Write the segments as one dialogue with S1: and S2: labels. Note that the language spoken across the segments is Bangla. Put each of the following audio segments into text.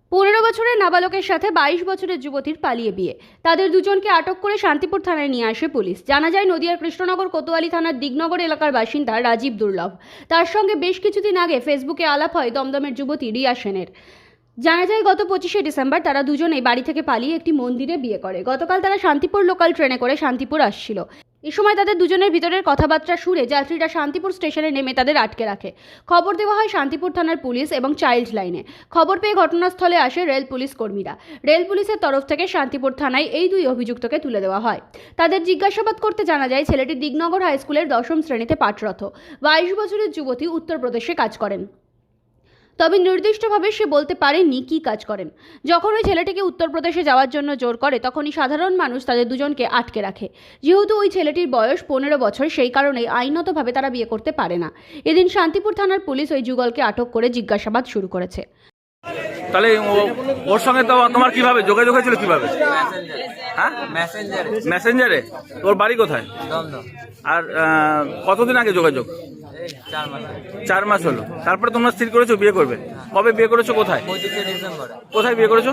S1: 15 বছরের নাবালকের সাথে 22 বছরের যুবতীর পালিয়ে বিয়ে। তাদের দুজনকে আটক করে শান্তিপুর থানায় নিয়ে আসে পুলিশ। জানা যায় নদিয়ার কৃষ্ণনগর কোতোয়ালি থানার দিগনগর এলাকার বাসিন্দা রাজীব দুর্লভ। তার সঙ্গে বেশ কিছুদিন আগে ফেসবুকে আলাপ হয় দমদমের যুবতী রিয়া সেনের। জানা যায় গত 25শে ডিসেম্বর তারা দুজনেই বাড়ি থেকে পালিয়ে একটি মন্দিরে বিয়ে করে। গতকাল তারা শান্তিপুর লোকাল ট্রেনে করে শান্তিপুর আসছিল। এই সময় তাদের দুজনের ভিতরের কথাবার্তা শুনে যাত্রীরা শান্তিপুর স্টেশনে নেমে তাদের আটকে রাখে। খবর দেওয়া হয় শান্তিপুর থানার পুলিশ এবং চাইল্ড লাইনে। খবর পেয়ে ঘটনাস্থলে আসে রেল পুলিশ কর্মীরা। রেল পুলিশের তরফ থেকে শান্তিপুর থানায় এই দুই অভিযুক্তকে তুলে দেওয়া হয়। তাদের জিজ্ঞাসাবাদ করতে জানা যায় ছেলেটি দিগনগর হাই স্কুলের 10ম শ্রেণীতে পাঠরত। 22 বছরের যুবতী উত্তরপ্রদেশে কাজ করেন, তবে নির্দিষ্টভাবে সে বলতে পারেননি কী কাজ করেন। যখন ওই ছেলেটিকে উত্তরপ্রদেশে যাওয়ার জন্য জোর করে তখনই সাধারণ মানুষ তাদের দুজনকে আটকে রাখে। যেহেতু ওই ছেলেটির বয়স 15 বছর, সেই কারণেই আইনতভাবে তারা বিয়ে করতে পারে না। এদিন শান্তিপুর থানার পুলিশ ওই যুগলকে আটক করে জিজ্ঞাসাবাদ শুরু করেছে।
S2: তাহলে ওর সঙ্গে তো তোমার কিভাবে যোগাযোগ হয়েছিল, কিভাবে? হ্যাঁ, মেসেঞ্জারে। তোর বাড়ি কোথায়? আর কতদিন আগে যোগাযোগ? 4 মাস হলো। তারপরে তোমরা স্থির করেছো বিয়ে করবে? কবে বিয়ে করেছো? কোথায়? কোথায় বিয়ে করেছো?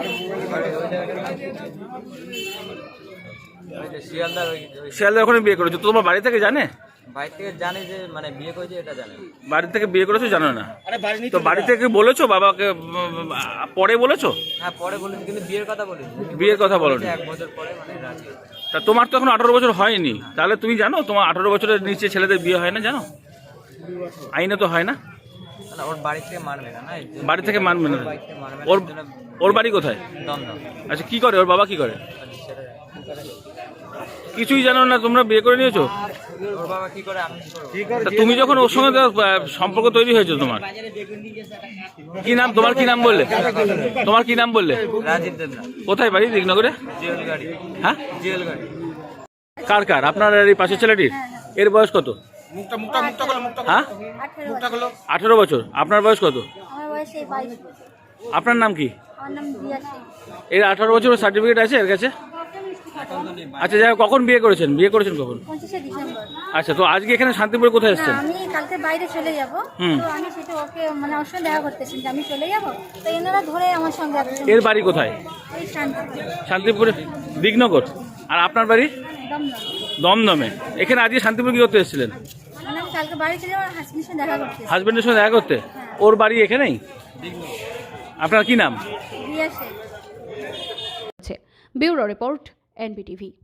S2: শিয়ালদা। ওখানে বিয়ে করেছো? তো তোমার বাড়ি থেকে জানে?
S3: বাড়ি থেকে জানে যে মানে বিয়ে করেছে এটা জানে।
S2: বাড়ি থেকে বিয়ে করেছো জানো না? তো বাড়ি থেকে বলেছো বাবাকে? পরে বলেছো?
S3: হ্যাঁ পরে বলেছি, কিন্তু বিয়ের কথা বলিনি।
S2: বিয়ের কথা বলো?
S3: 1 বছর পরে মানে রাজি।
S2: তা তোমার তো এখন 18 বছর হয়নি, তাহলে তুমি জানো তোমার 18 বছরের নিচে ছেলেদের বিয়ে হয় না? জানো আইনে তো হয় না।
S3: ওর বাড়ি থেকে মানবে না।
S2: বাড়ি থেকে মানবে না? ওর বাড়ি কোথায়?
S3: দমদম।
S2: আচ্ছা, কি করে ওর বাবা? কি করে? কিছুই জানো না, তোমরা বিয়ে করে নিয়েছো?
S3: ওর বাবা কি করে আমি কি করব?
S2: তা তুমি যখন ওর সঙ্গে সম্পর্ক তৈরি হয়েছে, তোমার কি নাম? তোমার কি নাম বললে? তোমার কি নাম বললে?
S3: রাজীব দেবনাথ।
S2: কোথায় বাড়ি? দিগনগরে।
S3: জেল গাড়ি।
S2: হ্যাঁ,
S3: জেল গাড়ি।
S2: কার? আপনার এই পাশের ছেলেটির? এর বয়স কত? হ্যাঁ, 18 বছর। আপনার বয়স কত?
S4: আমার বয়স 22।
S2: আপনার নাম কি?
S4: আমার নাম রিয়া শেখ।
S2: এর 18 বছরের সার্টিফিকেট আছে এর কাছে? আচ্ছা, যাই হোক, কখন বিয়ে করেছেন? কখন?
S4: 25শে ডিসেম্বর।
S2: আচ্ছা, তো আজকে এখানে শান্তিপুরে কোথায়
S4: না,
S2: এসেছেন?
S4: আমি কালকে বাইরে চলে যাব। তো আমি সেটা ওকে মানে ওর সঙ্গে দেখা করতেছি যে আমি চলে যাব। তো এনারা ধরে আমার সঙ্গে আসছে।
S3: আচ্ছা।
S2: এর বাড়ি কোথায়?
S4: এই শান্তিপুর।
S2: শান্তিপুরে, দিগনগর। আর আপনার বাড়ি?
S4: দমদম।
S2: দমদমে। এখানে আজকে শান্তিপুর কি করতে এসেছিলেন?
S4: মানে আমি কালকে বাড়ি চলে যাবো, হাসবেন্ডের সঙ্গে দেখা করতেছি।
S2: হাজবেন্ডের সঙ্গে দেখা করতে? ওর বাড়ি এখানেই? আপনার কি নাম?
S4: Riya Sheikh.
S1: Bureau report, NBTV।